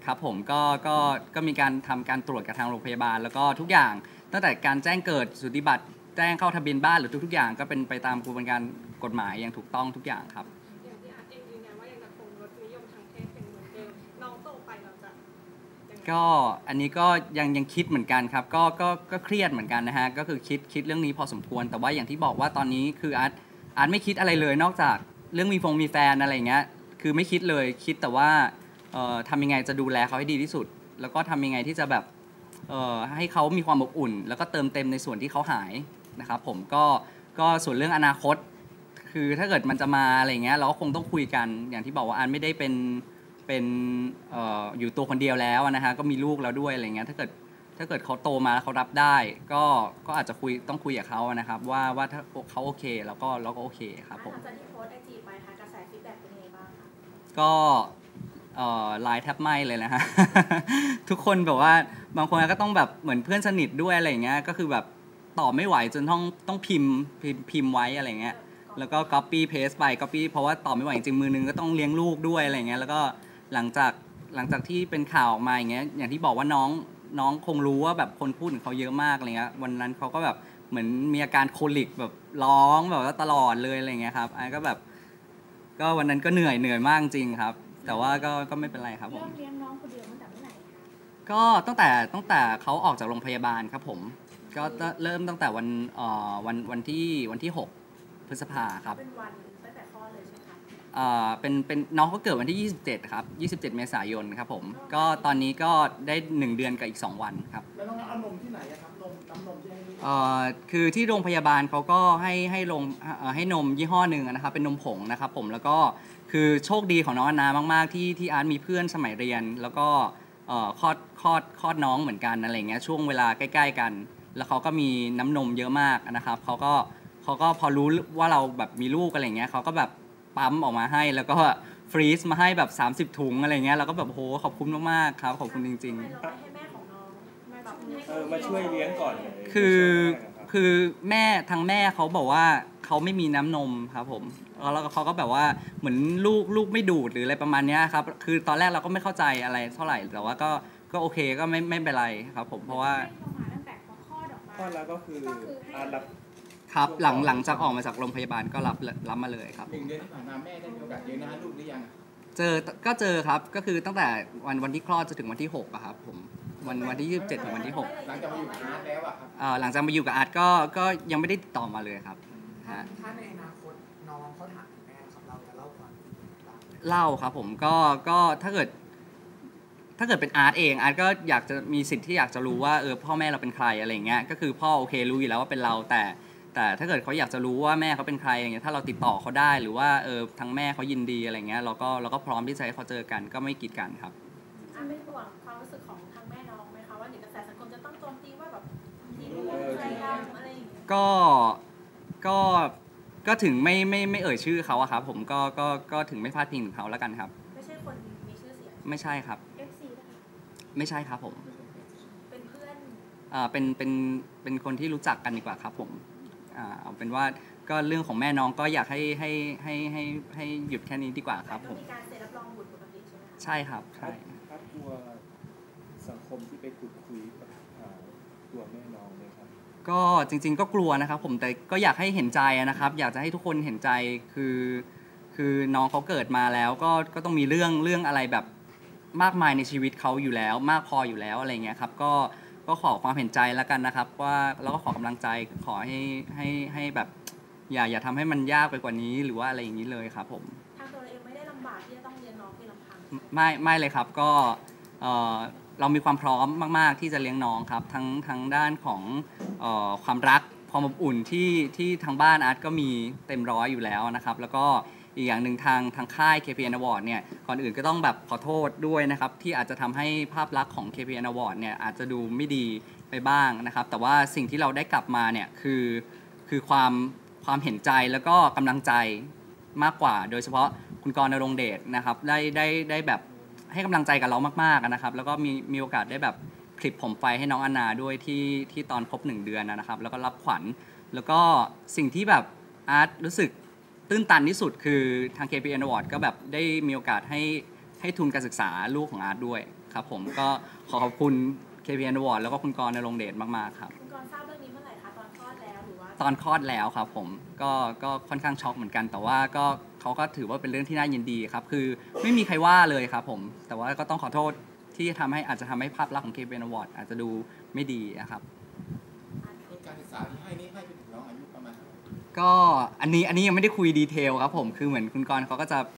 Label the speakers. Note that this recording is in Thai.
Speaker 1: ครับผมก็มีการทำการตรวจกับทางโรงพยาบาลแล้วก็ทุกอย่างตั้งแต่การแจ้งเกิดสูติบัตรแจ้งเข้าทะเบียนบ้านหรือทุกๆอย่างก็เป็นไปตามกระบวนการกฎหมายอย่างถูกต้องทุกอย่างครับ
Speaker 2: อย่างที่อาร์ตเองยืนยันว่ายังจะคงรสนิยมทางเพศเป็นเหมือนเดิมน้องโตไปเราจะ
Speaker 1: ก็อันนี้ก็ยังคิดเหมือนกันครับก็เครียดเหมือนกันนะฮะก็คือคิดเรื่องนี้พอสมควรแต่ว่าอย่างที่บอกว่าตอนนี้คืออาร์ตไม่คิดอะไรเลยนอกจากเรื่องมีแฟนอะไรอย่างเงี้ยคือไม่คิดเลยคิดแต่ว่าทำยังไงจะดูแลเขาให้ดีที่สุดแล้วก็ทำยังไงที่จะแบบให้เขามีความอบอุ่นแล้วก็เติมเต็มในส่วนที่เขาหายนะครับผมก็ส่วนเรื่องอนาคตคือถ้าเกิดมันจะมาอะไรเงี้ยเราก็คงต้องคุยกันอย่างที่บอกว่าอาร์ตไม่ได้เป็นอยู่ตัวคนเดียวแล้วนะฮะก็มีลูกแล้วด้วยอะไรเงี้ยถ้าเกิดเขาโตมาแล้วเขารับได้ก็อาจจะต้องคุยกับเขานะครับว่าถ้าเขาโอเคเราก็โอเคครับผม
Speaker 3: หลังจากที่โพสต์ไอจีไปค่ะกระแสฟีดแบ็กเป็นยังไงบ้างคะ
Speaker 1: ก็ไลน์แทบไหม้เลยนะฮะ ทุกคนแบบว่าบางคนก็ต้องแบบเหมือนเพื่อนสนิทด้วยอะไรเงี้ยก็คือแบบตอบไม่ไหวจนต้องพิมพ์ไว้อะไรเงี้ยแล้วก็ copy paste ไป copy เพราะว่าตอบไม่ไหวจริงมือนึงก็ต้องเลี้ยงลูกด้วยอะไรเงี้ยแล้วก็หลังจากที่เป็นข่าวออกมาอย่างเงี้ยอย่างที่บอกว่าน้องคงรู้ว่าแบบคนพูดถึงเขาเยอะมากอะไรเงี้ยวันนั้นเขาก็แบบเหมือนมีอาการโคลิกแบบร้องแบบว่าตลอดเลยอะไรเงี้ยครับไอ้ก็แบบก็วันนั้นก็เหนื่อยมากจริงครับแต่ว่าก็ไม่เป็นไรครับผม
Speaker 3: เลี้ยงน้องคนเดียวตั้งแต่เมื่อไหร่คะ
Speaker 1: ก็ตั้งแต่เขาออกจากโรงพยาบาลครับผมก็เริ่มตั้งแต่วันที่6พฤษภาครับ
Speaker 3: เป็นวันตั้งแต่คลอดเลยใช่ไหมคะ
Speaker 1: เป็นน้องเขาเกิดวันที่27ครับ27เมษายนครับผมก็ตอนนี้ก็ได้1เดือนกับอีก2วันครับ
Speaker 4: แล้วน้องเอานมที่ไหนครับน้ำนมที่ให้ลูก
Speaker 1: คือที่โรงพยาบาลเขาก็ให้นมยี่ห้อหนึ่งนะครับเป็นนมผงนะครับผมแล้วก็คือโชคดีของน้องอนามากๆที่อาร์ตมีเพื่อนสมัยเรียนแล้วก็คลอดน้องเหมือนกันอะไรเงี้ยช่วงเวลาใกล้ๆกันแล้วเขาก็มีน้ำนมเยอะมากนะครับเขาก็พอรู้ว่าเราแบบมีลูกอะไรเงี้ยเขาก็แบบปั๊มออกมาให้แล้วก็ฟรีซมาให้แบบ30ถุงอะไรเงี้ยเราก็แบบโหขอบคุณมากๆครับขอบคุณจริง
Speaker 3: ทำไมเราไม่ให้แม่ของน้องมาแบบ
Speaker 4: มาช่วยเลี้ยงก่อน
Speaker 1: ๆคือทางแม่เขาบอกว่าเขาไม่มีน้ำนมครับผมแล้วเขาก็แบบว่าเหมือนลูกไม่ดูดหรืออะไรประมาณนี้ครับคือตอนแรกเราก็ไม่เข้าใจอะไรเท่าไหร่แต่ว่าก็โอเคก็ไม่เป็นไรครับผมเพราะว่า
Speaker 3: ตั้งแต่พอคลอดออกมา
Speaker 4: คลอดแล้วก็คือรับ
Speaker 1: ครับหลังจากออกมาจากโรงพยาบาลก็รับมาเลยครับ
Speaker 4: 1 เดือนที่ผ่านมาแม่ได้มีโอกาสเลี้ยงน้าลูกหรือยัง
Speaker 1: เจอครับก็คือตั้งแต่วันที่คลอดจนถึงวันที่6อะครับผมวันที่27ถึงวันที่6
Speaker 4: หลังจากมาอยู่กับอาร์ตแล้วอะครับ
Speaker 1: หลังจากมาอยู่กับอาร์ตก็ยังไม่ได้ติดต่อมาเลยครับ
Speaker 5: ถ้าในอนาคตน้องเขาถามถึงแม่ครับเราจะเล่าความจริงบ้าง
Speaker 1: เล่าครับผมก็ถ้าเกิดเป็นอาร์ตเองอาร์ตก็อยากจะมีสิทธิ์ที่อยากจะรู้ว่าพ่อแม่เราเป็นใครอะไรเงี้ยก็คือพ่อโอเครู้อยู่แล้วว่าเป็นเราแต่ถ้าเกิดเขาอยากจะรู้ว่าแม่เขาเป็นใครอย่างเงี้ยถ้าเราติดต่อเขาได้หรือว่าทางแม่เขายินดีอะไรเงี้ยเราก็พร้อมที่จะให้เขาเจอกันก็ไม่กีดกันครับ
Speaker 3: ไม่ห่วงความรู้สึกของทางแม่น้องไหมคะว่าเดี๋ยวกระแสสังคมจะต้องโจมตีว่าแบบที่ลูกใครทำอะไรอย่างเงี้ย
Speaker 1: ก็ถึงไม่เอ่ยชื่อเขาอะครับผมก็ถึงไม่พลาดพิงถึงเขาแล้วกันครับ
Speaker 3: ไม่ใช่คนมีชื่อเสียง
Speaker 1: ไม่ใช่ครับ
Speaker 3: FC
Speaker 1: ไม่ใช่ครับผม
Speaker 3: เป็นเพื่อน
Speaker 1: เป็นคนที่รู้จักกันดีกว่าครับผมเอาเป็นว่าก็เรื่องของแม่น้องก็อยากให้หยุดแค่นี้ดีกว่าครับผม
Speaker 3: มีการเซ็นรับรองบุตรปกติใช่ไหม
Speaker 1: ใช่ครับใช่
Speaker 4: ครับกลัวสังคมที่ไปขุดคุยกับตัวแม่น้องเลยครับ
Speaker 1: ก็จริงๆก็กลัวนะครับผมแต่ก็อยากให้เห็นใจนะครับอยากจะให้ทุกคนเห็นใจคือน้องเขาเกิดมาแล้วก็ต้องมีเรื่องอะไรแบบมากมายในชีวิตเขาอยู่แล้วมากพออยู่แล้วอะไรเงี้ยครับก็ขอความเห็นใจแล้วกันนะครับว่าแล้วก็ขอกำลังใจขอให้แบบอย่าทำให้มันยากไปกว่านี้หรือว่าอะไรอย่างนี้เลยครับผม
Speaker 3: ทางตัวเราเองไม่ได้ลำบากที่จะต้องเลี้ยงน้องเพียงลำพัง
Speaker 1: ไม่เลยครับก็เรามีความพร้อมมากๆที่จะเลี้ยงน้องครับทั้งด้านของความรักความอบอุ่นที่ทางบ้านอาร์ตก็มีเต็มร้อยอยู่แล้วนะครับแล้วก็อีกอย่างหนึ่งทางค่าย KPN Award เนี่ยก่อนอื่นก็ต้องแบบขอโทษด้วยนะครับที่อาจจะทำให้ภาพลักษณ์ของ KPN Award เนี่ยอาจจะดูไม่ดีไปบ้างนะครับแต่ว่าสิ่งที่เราได้กลับมาเนี่ยคือความเห็นใจแล้วก็กำลังใจมากกว่าโดยเฉพาะคุณกรณ์ ณรงค์เดชนะครับได้แบบให้กำลังใจกับเรามากๆนะครับแล้วก็มีโอกาสได้แบบคลิปผมไฟให้น้องอนาด้วยที่ตอนครบ1เดือนนะครับแล้วก็รับขวัญแล้วก็สิ่งที่แบบอาร์ตรู้สึกตื้นตันที่สุดคือทาง KPN Award ก็แบบได้มีโอกาสให้ทุนการศึกษาลูกของอาร์ตด้วยคครับผมก็ขอขอบคุณ KPN Award แล้วก็คุณกรณ์ณรงค์เดชมากๆครับ
Speaker 3: คุณกรณ์ทราบเรื่องนี้เมื่อไหร่คะตอนคลอดแล้วหรือว่า
Speaker 1: ตอนคลอดแล้วครับผมก็ค่อนข้างช็อกเหมือนกัน แต่ว่าก็เขาก็ถือว่าเป็นเรื่องที่น่ายินดีครับคือไม่มีใครว่าเลยครับผมแต่ว่าก็ต้องขอโทษที่อาจจะทำให้ภาพลักษณ์ของ KPN Award อาจจะดูไม่ดีนะครับ
Speaker 6: ทุนการศึกษาที่ให้นี่ให้ไปถึงน้องอายุประมาณเท่าไหร่
Speaker 1: ก็อันนี้ยังไม่ได้คุยดีเทลครับผมคือเหมือนคุณกรณ์เขาก็จะ